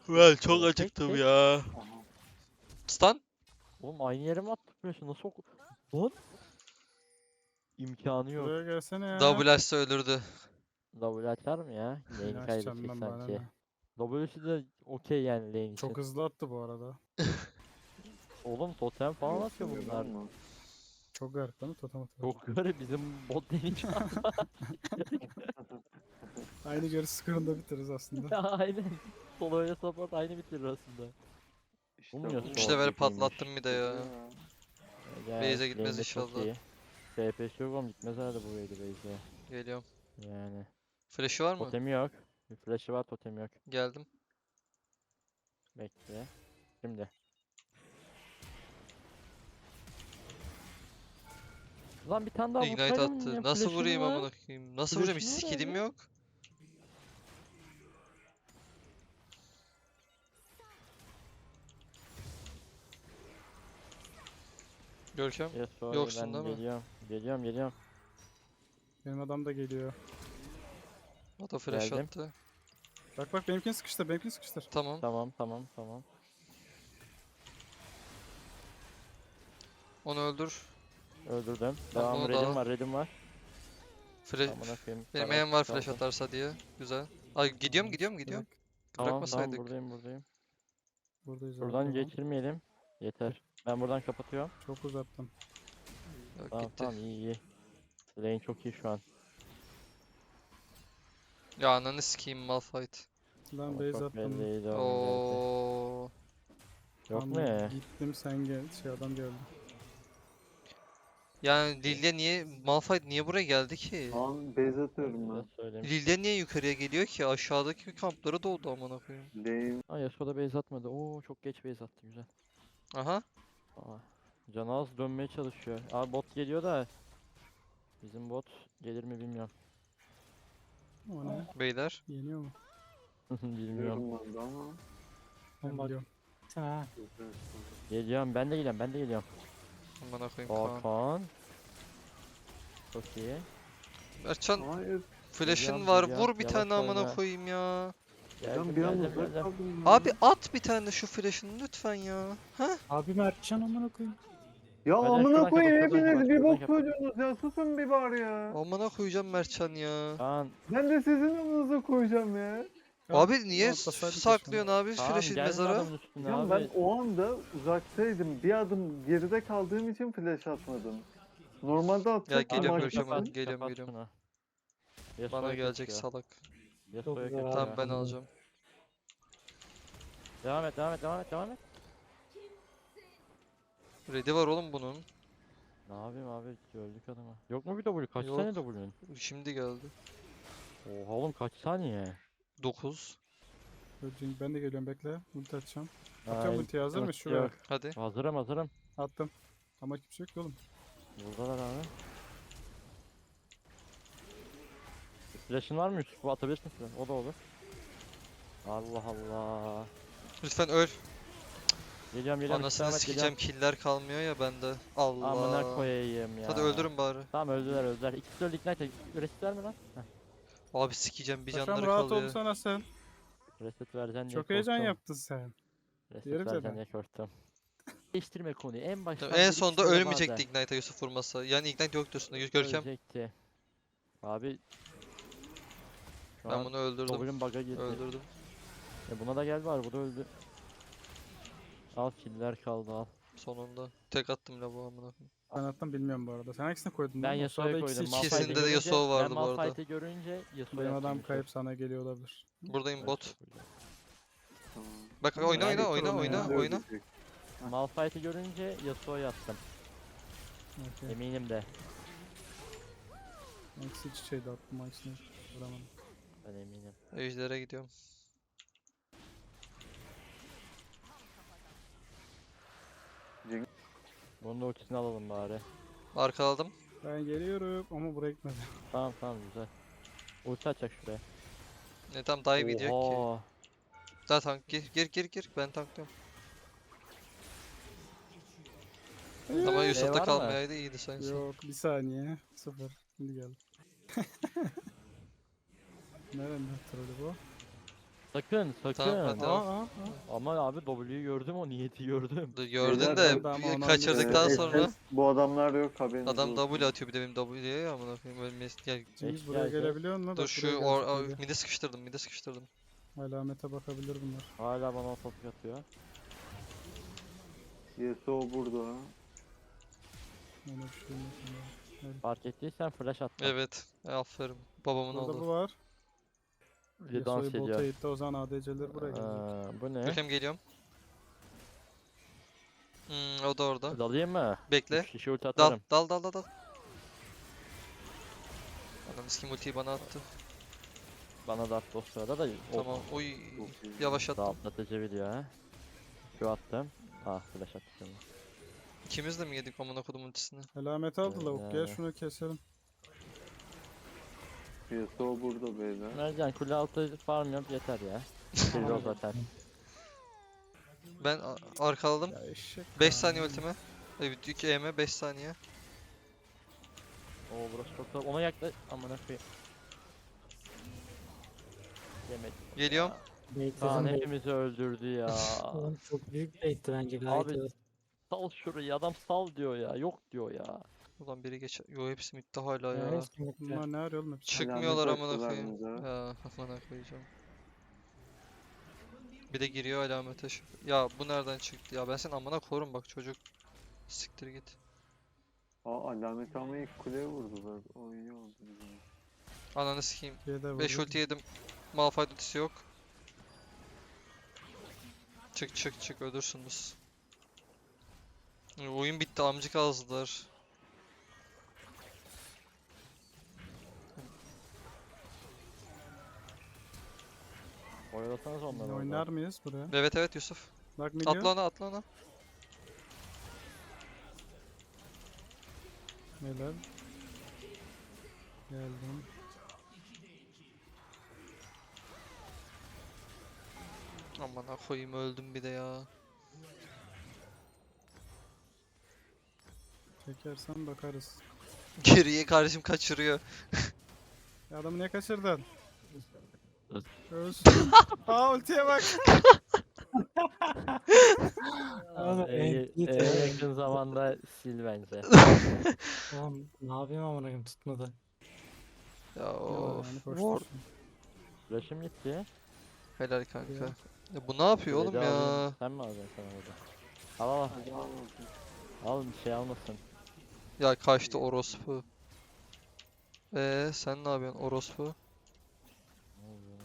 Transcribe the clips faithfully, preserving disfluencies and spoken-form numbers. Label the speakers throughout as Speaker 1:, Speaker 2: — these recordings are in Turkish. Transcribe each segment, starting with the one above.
Speaker 1: Ben çok
Speaker 2: Oo, tek
Speaker 1: acıktım
Speaker 2: tek.
Speaker 1: ya.
Speaker 3: Aha.
Speaker 1: Stun?
Speaker 2: Oğlum aynı yere mi attık flash'ı? Nasıl oku... Lan? İmkanı yok.
Speaker 4: Buraya gelsene ya.
Speaker 1: Double Ash'ta ölürdü.
Speaker 2: W açar mı ya? Lane'i
Speaker 4: Açacağım
Speaker 2: kaybedecek
Speaker 4: ben bana
Speaker 2: sanki.
Speaker 4: ne.
Speaker 2: W'si de okey yani lane için.
Speaker 4: Çok hızlı attı bu arada.
Speaker 2: Oğlum totem falan atıyor
Speaker 3: Yok,
Speaker 2: bunlar.
Speaker 3: ama.
Speaker 4: Çok garip değil mi? Totem atıyor.
Speaker 2: Çok garip bizim bot lane'i şu an.
Speaker 4: Aynı görüş skorunda bitiririz aslında.
Speaker 2: Aynen. Solo ile support aynı bitirir aslında.
Speaker 3: İşte
Speaker 2: Bulmuyor
Speaker 3: bu.
Speaker 1: üç
Speaker 2: Sol
Speaker 1: level
Speaker 2: tekiymiş.
Speaker 1: patlattım bir de ya.
Speaker 2: Ya,
Speaker 1: Base'e gitmez
Speaker 2: lane'de çok
Speaker 1: inşallah.
Speaker 2: iyi. S P'si yok oğlum gitmez herhalde bu wade'e base'e.
Speaker 1: Geliyorum.
Speaker 2: Yani.
Speaker 1: Flash'ı var mı?
Speaker 2: Totemi yok. Bir flash'ı var totemi yok.
Speaker 1: Geldim.
Speaker 2: Bekle. Şimdi. Lan bir tane daha
Speaker 1: Ignite
Speaker 2: vursaydım
Speaker 1: attı.
Speaker 2: ya,
Speaker 1: Nasıl
Speaker 2: flash'ın
Speaker 1: vurayım
Speaker 2: var.
Speaker 1: amına koyayım? Nasıl vuracağım? Hiç
Speaker 2: Flash'ın var
Speaker 1: skill'im
Speaker 2: abi.
Speaker 1: yok. Görkem.
Speaker 2: Yes, sorry,
Speaker 1: Yoksun
Speaker 2: ben
Speaker 1: değil mi?
Speaker 2: geliyorum. Geliyorum geliyorum.
Speaker 4: Benim adam da geliyor.
Speaker 1: O da flash
Speaker 2: Geldim.
Speaker 1: attı.
Speaker 4: Bak bak benimkini sıkıştır, benimkini sıkıştır.
Speaker 1: Tamam.
Speaker 2: Tamam tamam tamam.
Speaker 1: Onu öldür.
Speaker 2: Öldürdüm.
Speaker 1: Tamam,
Speaker 2: Devam
Speaker 1: onu da
Speaker 2: redim
Speaker 1: al.
Speaker 2: var redim var.
Speaker 1: Flash.
Speaker 2: Amına koyayım.
Speaker 1: Benim
Speaker 2: Bana
Speaker 1: aim var flash
Speaker 2: kaldı.
Speaker 1: atarsa diye. Güzel. Ay gidiyorum gidiyorum gidiyorum.
Speaker 4: Bırak.
Speaker 2: Tamam tamam
Speaker 1: Bırakmasaydık.
Speaker 2: buradayım buradayım.
Speaker 4: Buradayız abi,
Speaker 2: Buradan
Speaker 4: tamam.
Speaker 2: geçirmeyelim. Yeter. Ben buradan kapatıyorum.
Speaker 4: Çok uzattım.
Speaker 1: Yok,
Speaker 2: Tamam
Speaker 1: gitti.
Speaker 2: tamam iyi iyi. Lane çok iyi şu an.
Speaker 1: Ya ananı sikeyim Malphite.
Speaker 4: Lan
Speaker 2: Ama
Speaker 4: base
Speaker 2: çok
Speaker 4: attım.
Speaker 2: belliydi oğlum
Speaker 1: Oo.
Speaker 2: gerçi. Yok
Speaker 4: Tam
Speaker 2: mu ya?
Speaker 4: Gittim sen gel. Şey adam geldi.
Speaker 1: Yani Lilia niye Malphite niye buraya geldi ki?
Speaker 3: Lan base atıyorum
Speaker 2: Size
Speaker 3: ben.
Speaker 2: söyleyeyim.
Speaker 1: Lilia niye yukarıya geliyor ki? Aşağıdaki kamplara doğdu amına koyayım.
Speaker 3: Lane.
Speaker 2: Aa Yasuo da base atmadı. Oo çok geç base attı güzel.
Speaker 1: Aha.
Speaker 2: Aa, Canaz dönmeye çalışıyor. Abi bot geliyor da bizim bot gelir mi bilmiyorum.
Speaker 4: O ne?
Speaker 1: Beyler.
Speaker 4: Yeniyor mu?
Speaker 2: Bilmiyorum.
Speaker 3: Biliyorum ben de ama.
Speaker 4: Ben
Speaker 5: bak.
Speaker 4: biliyorum.
Speaker 5: Ha.
Speaker 3: Güzel.
Speaker 2: Geliyorum ben de geliyorum ben de geliyorum.
Speaker 1: Amına koyayım Kaan.
Speaker 2: Hakan. Çok iyi.
Speaker 1: Mertcan
Speaker 3: Hayır.
Speaker 1: flash'ın
Speaker 2: Geliyorum,
Speaker 1: var.
Speaker 2: geliyorum.
Speaker 1: Vur bir
Speaker 2: Yavaş
Speaker 1: tane amına
Speaker 2: oyna.
Speaker 1: koyayım ya.
Speaker 3: Hocam
Speaker 2: Geldim
Speaker 3: bir an
Speaker 2: geldim
Speaker 3: uzak
Speaker 2: geldim.
Speaker 3: kaldım ya.
Speaker 1: Abi at bir tane şu flash'ını lütfen ya. Ha?
Speaker 5: Abi Mertcan amına koyayım.
Speaker 3: Ya
Speaker 2: Hadi
Speaker 3: amına
Speaker 2: şuradan
Speaker 3: koyayım
Speaker 2: kapat, şuradan
Speaker 3: hepiniz
Speaker 2: kapat,
Speaker 3: bir
Speaker 2: şuradan
Speaker 3: bok
Speaker 2: kapat.
Speaker 3: koydunuz ya. Susun bir bari ya.
Speaker 1: Amına koyacağım Mertcan ya.
Speaker 2: Kaan.
Speaker 3: Ben de sizin amınıza koyacağım ya.
Speaker 1: Abi niye
Speaker 4: atlasaydık ya
Speaker 1: saklıyorsun abi
Speaker 2: Kaan
Speaker 1: flash'ı
Speaker 2: gelme
Speaker 1: mezara?
Speaker 2: adamın üstüne
Speaker 3: Ya
Speaker 2: abi.
Speaker 3: ben o anda uzaktaydım. Bir adım geride kaldığım için flash atmadım. Normalde atacaktım.
Speaker 1: geliyorum,
Speaker 3: ama
Speaker 1: görüşeceğim
Speaker 3: açmadım.
Speaker 1: ben. Geliyorum,
Speaker 2: kapat
Speaker 1: geliyorum.
Speaker 2: şunu. Yasuo'ya
Speaker 1: Bana gelecek
Speaker 2: kaçıyor.
Speaker 1: salak.
Speaker 2: Yasuo'ya
Speaker 5: güzel
Speaker 2: kaçıyor.
Speaker 1: Tamam ben
Speaker 5: Tamam.
Speaker 1: alacağım.
Speaker 2: Devam et devam et devam et devam et.
Speaker 1: Ready var oğlum bunun.
Speaker 2: Ne yapayım abi öldük adama. Yok mu bir W? Kaç
Speaker 1: Yok.
Speaker 2: saniye W'nun?
Speaker 1: Şimdi geldi.
Speaker 2: Oha oğlum kaç saniye?
Speaker 1: dokuz.
Speaker 4: Öldüm. Ben de geliyorum bekle. Ulti atacağım.
Speaker 2: Ay,
Speaker 4: Atacağım ulti hazır mı?
Speaker 2: ulti
Speaker 4: Şuraya.
Speaker 2: yok.
Speaker 1: Hadi.
Speaker 2: Hazırım hazırım.
Speaker 4: Attım. Ama kimse yok ki oğlum.
Speaker 2: Buradalar abi. Flash'ın var mı Yusuf? Bu atabilirsin flash. O da olur. Allah Allah.
Speaker 1: Lütfen öl.
Speaker 2: Geliyorum geliyorum.
Speaker 1: Anasını
Speaker 2: İstikamet
Speaker 1: sikeceğim killer kalmıyor ya bende. Allah.
Speaker 2: Amına koyayım ya.
Speaker 1: Hadi öldürün bari.
Speaker 2: Tamam öldüler öldüler. İkisi öldü ignite. Reset verme lan. Heh.
Speaker 1: Abi sikeceğim bir
Speaker 4: Paşam
Speaker 1: canları
Speaker 4: rahat
Speaker 1: kalıyor.
Speaker 4: olsana sen.
Speaker 2: Reset vereceksin diye
Speaker 4: Çok heyecan
Speaker 2: korktum.
Speaker 4: yaptın sen.
Speaker 2: Reset
Speaker 4: Diyorum
Speaker 2: vereceksin
Speaker 4: zaten.
Speaker 2: diye korktum. Değiştirme konuyu. En baştan
Speaker 1: Tamam, en
Speaker 2: bir
Speaker 1: sonunda
Speaker 2: ikisi de
Speaker 1: ölmeyecekti
Speaker 2: vardı.
Speaker 1: Ignite'a Yusuf vurmasa. Yani Ignite yok diyorsun. Görkem.
Speaker 2: Ölecekti. Abi. Şu
Speaker 1: Ben
Speaker 2: an
Speaker 1: bunu öldürdüm.
Speaker 2: W'nin bug'a girdi.
Speaker 1: Öldürdüm.
Speaker 2: E buna da gel var. Bu da öldü. Al killer kaldı al.
Speaker 1: Sonunda. Tek attım la bu amına koyayım.
Speaker 4: Ben attım bilmiyorum bu arada. Sen hangisine koydun?
Speaker 2: Ben
Speaker 4: lan? O
Speaker 2: Yasuo'ya
Speaker 4: sırada ikisi
Speaker 2: koydum.
Speaker 4: iç içe.
Speaker 1: İkisinde de
Speaker 2: Malphite'i
Speaker 1: Yasuo
Speaker 2: görünce-
Speaker 1: vardı
Speaker 2: ben
Speaker 1: bu arada.
Speaker 2: Malphite'i görünce Yasuo'ya
Speaker 4: Benim
Speaker 2: attım
Speaker 4: adam
Speaker 2: Yusuf.
Speaker 4: kayıp sana geliyor olabilir.
Speaker 1: Buradayım bot.
Speaker 3: Tamam.
Speaker 1: Bak
Speaker 4: Tamam,
Speaker 1: oyna
Speaker 4: ben
Speaker 1: oyna
Speaker 4: de
Speaker 1: oyna
Speaker 4: kurulu
Speaker 1: oyna
Speaker 4: ya.
Speaker 1: oyna.
Speaker 2: Malphite'i görünce Yasuo'ya attım.
Speaker 4: Okay.
Speaker 2: Eminim de.
Speaker 4: İkisi iç içeydi attım. Hangisini vuramadım.
Speaker 2: Ben eminim.
Speaker 1: Ejder'e gidiyorum.
Speaker 2: Bunun da ultisini alalım bari.
Speaker 1: Arkaladım.
Speaker 4: Ben geliyorum ama buraya gitmedi.
Speaker 2: Tamam tamam güzel. Ulti açacak şuraya.
Speaker 1: Ne tam dive gidiyor ki.
Speaker 2: Oha.
Speaker 1: Daha tank gir gir gir gir. Ben tanklıyorum. Ama
Speaker 2: E
Speaker 1: Yusuf'ta
Speaker 2: var mı?
Speaker 1: kalmayaydı iyiydi sanki.
Speaker 4: Yok bir saniye. Sıfır. Şimdi geldi. Nereden trolü bu?
Speaker 2: Sakın sakın.
Speaker 1: Tamam, hadi.
Speaker 4: Aa,
Speaker 1: Tamam.
Speaker 4: aa, aa.
Speaker 2: Ama abi W'yu gördüm, o niyeti gördüm.
Speaker 1: Dur, gördün
Speaker 3: Beyler,
Speaker 1: de
Speaker 4: ben-
Speaker 1: bir-
Speaker 4: ben onu
Speaker 1: kaçırdıktan
Speaker 3: Ee,
Speaker 1: sonra
Speaker 3: S S bu adamlar yok haberiniz
Speaker 1: adam
Speaker 3: olsun.
Speaker 1: W atıyor bir de benim W'ye ya amına koyayım ölmesi. Gel.
Speaker 4: Cengiz
Speaker 2: Eşya
Speaker 4: buraya
Speaker 2: ise-
Speaker 4: gelebiliyor mu?
Speaker 1: Dur
Speaker 4: Bak
Speaker 1: şu
Speaker 4: buraya
Speaker 1: or,
Speaker 4: gelecek
Speaker 1: or
Speaker 4: biri.
Speaker 1: mide sıkıştırdım mide sıkıştırdım.
Speaker 4: Alamete bakabilir bunlar.
Speaker 2: Hala bana top atıyor.
Speaker 3: Yasuo burada.
Speaker 4: Ona bir şey yok.
Speaker 2: Fark ettiysen flash attım.
Speaker 1: Evet. Aferin. Babamın
Speaker 4: Burada
Speaker 1: oğlu.
Speaker 4: bu var.
Speaker 2: Bir de dans
Speaker 4: Yasuo'yu bota
Speaker 2: ediyor.
Speaker 4: itti, o zaman A D C'ler buraya gelecek.
Speaker 2: Aa, bu ne?
Speaker 1: Bakayım geliyorum. Hmm, o da orada.
Speaker 2: Dalayım mı?
Speaker 1: Bekle.
Speaker 2: Üç kişi ulti
Speaker 1: Dal
Speaker 2: atarım.
Speaker 1: dal dal dal dal. Adam iskim ultiyi bana attı.
Speaker 2: Bana da attı o sırada da.
Speaker 1: Tamam. Oy.
Speaker 3: Çok iyi.
Speaker 1: Yavaş attım.
Speaker 2: Dağıtlatıcı video ha. Şu attım. Ah flash attı şimdi.
Speaker 1: İkimiz de mi yedik amına kodum ultisini?
Speaker 4: Alameti aldı lavuk. Gel
Speaker 2: Yani.
Speaker 4: şunu keselim.
Speaker 3: Yasuo burada beyler.
Speaker 2: Mercan kule altı farm yap yeter ya. Kill o zaten.
Speaker 1: Ben a- arkaladım.
Speaker 4: Ya eşek.
Speaker 1: beş
Speaker 4: ya.
Speaker 1: saniye ultime. Evet iki E'me beş saniye.
Speaker 2: Oo burası çok zor. Ona yaklaş. Amına koyayım. Yemedim.
Speaker 1: Geliyorum.
Speaker 2: Kaan
Speaker 5: Baitledim bait.
Speaker 2: hepimizi öldürdü ya.
Speaker 5: Oğlum çok büyük baitti bence gayet
Speaker 2: Abi,
Speaker 5: iyi.
Speaker 2: Sal şurayı, adam sal diyor ya. Yok diyor ya.
Speaker 1: Ulan biri geç. Yo hepsi midde hala
Speaker 5: Yani
Speaker 1: ya.
Speaker 5: kesinlikle.
Speaker 4: Bunlar ne arıyor oğlum hepsi?
Speaker 1: Çıkmıyorlar
Speaker 3: Alamet
Speaker 1: amına
Speaker 3: attılar
Speaker 1: koyayım.
Speaker 3: bize.
Speaker 1: Ya amına koyacağım. Bir de giriyor alamete şu. Ya bu nereden çıktı ya? Ben seni amına korum bak çocuk. Siktir git.
Speaker 3: Aa alamet ama ilk kuleye vurdular. O iyi oldu bizim.
Speaker 1: Ananı sikeyim.
Speaker 4: Şeyde
Speaker 1: beş
Speaker 4: vurdu.
Speaker 1: ulti yedim. Malphite ultisi yok. Çık çık çık ölürsünüz. E, Oyun bitti amcık ağızdılar.
Speaker 2: Oyalasanız onları
Speaker 4: Biz
Speaker 2: orada.
Speaker 4: oynar mıyız buraya?
Speaker 1: Evet evet Yusuf.
Speaker 4: Bak milyon.
Speaker 1: Atla ona atla ona.
Speaker 4: Neler? Geldim.
Speaker 1: Amına koyayım öldüm bir de ya.
Speaker 4: Çekersen bakarız.
Speaker 1: Geriye kardeşim kaçırıyor.
Speaker 4: Ya adamı niye kaçırdın? Ölsün. Aa ultiye bak.
Speaker 5: Oğlum,
Speaker 2: Abi, en,
Speaker 5: en-
Speaker 2: en yakın zamanda sil bence.
Speaker 5: Oğlum ne yapayım amına koyayım tutmadı.
Speaker 1: Ya of.
Speaker 4: Yani
Speaker 1: Ward.
Speaker 4: koştursun.
Speaker 2: Flash'ım gitti.
Speaker 1: Helal kanka.
Speaker 4: Ya.
Speaker 1: Ya bu ne yapıyor oğlum
Speaker 2: Kuleyi de alayım.
Speaker 1: ya?
Speaker 2: Sen mi alacaksın sana burada? Al al al.
Speaker 3: Hadi al bakayım.
Speaker 2: Al bir şey almasın.
Speaker 1: Ya kaçtı orospu. Eee sen ne yapıyorsun orospu?
Speaker 2: Ne oluyor?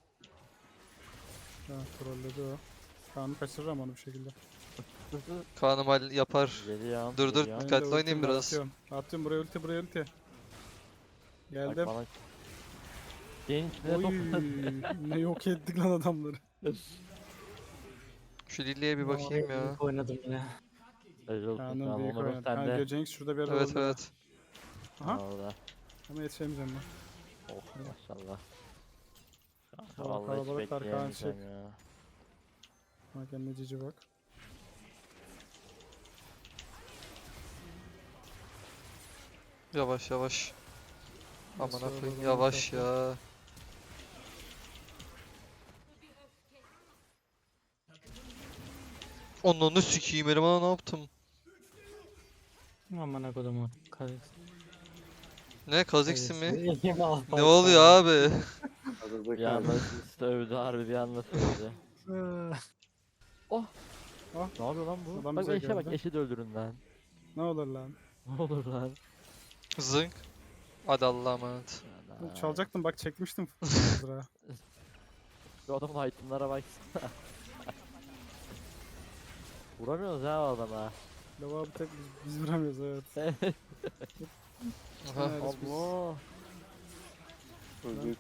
Speaker 4: Ha trolledi o. Kaan'ı kaçırırım onu bir şekilde.
Speaker 1: Kaan'ım hal yapar.
Speaker 2: Geliyorum.
Speaker 1: Dur, dur,
Speaker 2: geliyorum.
Speaker 1: Dikkatli
Speaker 4: Benim de
Speaker 1: oynayayım
Speaker 4: ultim var,
Speaker 1: biraz.
Speaker 4: Atıyorum. Atıyorum buraya ulti buraya ulti.
Speaker 2: Bak
Speaker 4: Geldim.
Speaker 2: bana. Senin içine
Speaker 4: Oy,
Speaker 2: top.
Speaker 4: ne yok ettik lan adamları.
Speaker 1: Şu Lily'ye bir bakayım
Speaker 5: Vallahi
Speaker 1: ya.
Speaker 5: büyük oynadım yine.
Speaker 2: Helal olsun
Speaker 4: Kaan'ın
Speaker 2: Kaan,
Speaker 4: büyük
Speaker 2: Onur'un
Speaker 4: oynadı. Kanka
Speaker 2: sende.
Speaker 4: Cengiz şurada bir yerde
Speaker 1: Evet
Speaker 4: oldu.
Speaker 1: evet.
Speaker 4: Aha.
Speaker 2: Orada.
Speaker 4: Ama yetişemeyeceğim ben.
Speaker 2: Oh maşallah. Kanka
Speaker 4: Hava
Speaker 2: vallahi hiç
Speaker 4: kalabalık var, Kaan
Speaker 2: bekleyemeyeceğim ya.
Speaker 4: Bak kendine cici bak.
Speaker 1: Yavaş yavaş. Amına
Speaker 4: Nasıl
Speaker 1: koyayım
Speaker 4: olur
Speaker 1: yavaş
Speaker 4: onu
Speaker 1: ya. Onunu sikeyim eleman ne yaptım?
Speaker 5: Amına kodumu. Kazık.
Speaker 1: Ne Kazix'i mi?
Speaker 5: İyi al,
Speaker 1: Ne
Speaker 5: al,
Speaker 1: oluyor
Speaker 5: al.
Speaker 1: abi?
Speaker 3: Arada
Speaker 2: Bir anda
Speaker 3: kaldı.
Speaker 2: sövdü harbi, bir anda sövdü. Ne yapıyor lan bu?
Speaker 4: Adam
Speaker 2: Bak
Speaker 4: bize
Speaker 2: eşe bak,
Speaker 4: geldi.
Speaker 2: eşi de öldürün lan.
Speaker 4: Ne olur lan.
Speaker 2: Ne olur lan.
Speaker 1: Zınk. Hadi Allah'a emanet.
Speaker 2: Ana.
Speaker 4: Çalacaktım bak çekmiştim. Sıra.
Speaker 2: Şu adamın itemlara baksana. Vuramıyoruz ha o adama.
Speaker 4: Lava bir tek biz, biz vuramıyoruz evet.
Speaker 1: Aha.
Speaker 4: Evet, biz-
Speaker 2: Allah.
Speaker 3: Çocuk.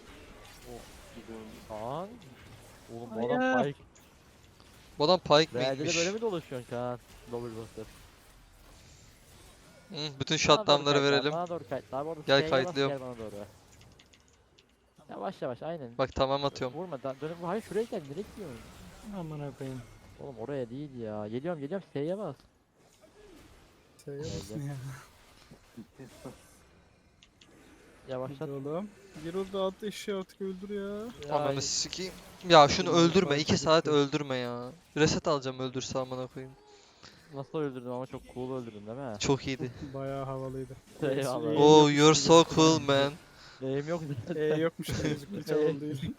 Speaker 2: Kaan. Oğlum bu
Speaker 5: Hayır.
Speaker 2: adam Pike.
Speaker 1: Bu adam Pike
Speaker 2: Realde de
Speaker 1: miymiş?
Speaker 2: böyle mi dolaşıyorsun Kaan? Double buster.
Speaker 1: Hı, bütün
Speaker 2: Bana doğru
Speaker 1: shutdownları
Speaker 2: kayıtlar,
Speaker 1: verelim.
Speaker 2: Bana doğru kayıtlar. Bu arada
Speaker 1: Gel
Speaker 2: S'ye bas,
Speaker 1: kayıtlıyorum.
Speaker 2: Gel bana doğru. Yavaş yavaş aynen.
Speaker 1: Bak tamam atıyorum.
Speaker 2: Vurma da dönüp hayır şuraya gel, nereye gidiyorsun?
Speaker 5: Amına koyayım.
Speaker 2: Oğlum oraya değil ya. Geliyorum geliyorum, S'ye bas.
Speaker 4: Şeye basın ya.
Speaker 2: Yavaşlat.
Speaker 4: Hadi oğlum. Gir orada at eşeği artık öldür ya.
Speaker 1: Ananı sikeyim. Ya şunu
Speaker 2: Yürü,
Speaker 1: öldürme.
Speaker 2: fark
Speaker 1: iki saat
Speaker 2: edildi.
Speaker 1: öldürme ya. Reset alacağım öldürse amına koyayım.
Speaker 2: Nasıl öldürdüm ama çok cool öldürdüm değil mi?
Speaker 1: Çok iyiydi.
Speaker 4: Bayağı havalıydı.
Speaker 2: Eyvallah.
Speaker 4: Eğim
Speaker 1: Oh,
Speaker 4: yokmuş
Speaker 1: you're
Speaker 4: gibi
Speaker 1: so
Speaker 4: gözüktü
Speaker 1: cool
Speaker 4: lan.
Speaker 1: man.
Speaker 2: Eğim yok.
Speaker 4: E yokmuş gibi gözüktü hiç havalı değil.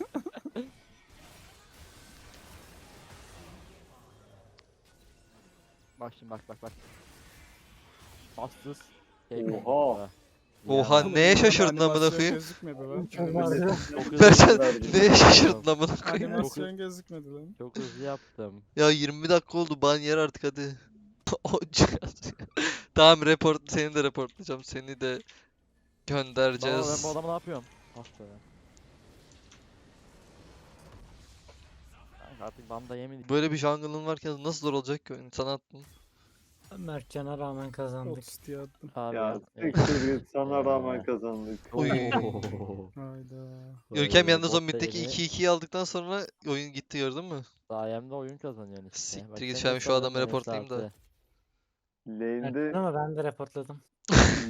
Speaker 2: Bak şimdi bak bak bak. Bastız.
Speaker 3: Oha.
Speaker 1: Oha,
Speaker 2: Ya.
Speaker 1: neye şaşırdın amına
Speaker 4: Animasyon
Speaker 1: koyayım?
Speaker 4: gözükmedi lan.
Speaker 5: Çok
Speaker 3: Milletin
Speaker 5: var ya.
Speaker 2: Çok hızlı
Speaker 1: Berçan
Speaker 2: yaptım.
Speaker 1: neye şaşırdın amına koyayım?
Speaker 4: Animasyon gözükmedi lan.
Speaker 2: Çok hızlı yaptım.
Speaker 1: Ya yirmi dakika oldu, ban yer artık hadi. O cihaz ya. Tamam, report, seni de reportlayacağım, seni de
Speaker 2: Baba ben
Speaker 1: göndereceğiz.
Speaker 2: bu adamı ne yapıyorum? Ah be. Kanka artık banda yemedik.
Speaker 1: Böyle bir jungle'ın varken nasıl zor olacak ki oyun? Sana attım.
Speaker 5: Mertcan'a rağmen kazandık.
Speaker 4: otuz diye attım.
Speaker 2: Abi
Speaker 3: Ya
Speaker 2: ya.
Speaker 3: siktir git, sana rağmen
Speaker 2: Ya.
Speaker 3: kazandık.
Speaker 1: Oy.
Speaker 4: Hayda.
Speaker 1: Görkem
Speaker 2: Böyle
Speaker 1: yalnız o
Speaker 2: bot
Speaker 1: middeki
Speaker 2: lane'i
Speaker 1: iki ikiyi aldıktan sonra oyun gitti, gördün mü?
Speaker 2: sayemde oyun kazanıyorsun işte.
Speaker 1: Siktir
Speaker 2: Bak
Speaker 1: git,
Speaker 2: sen
Speaker 1: şu an
Speaker 2: de
Speaker 1: şu adamı
Speaker 2: kazandın
Speaker 1: reportlayayım da.
Speaker 2: saati.
Speaker 3: Lane'de
Speaker 5: Mertcan ama ben de reportladım.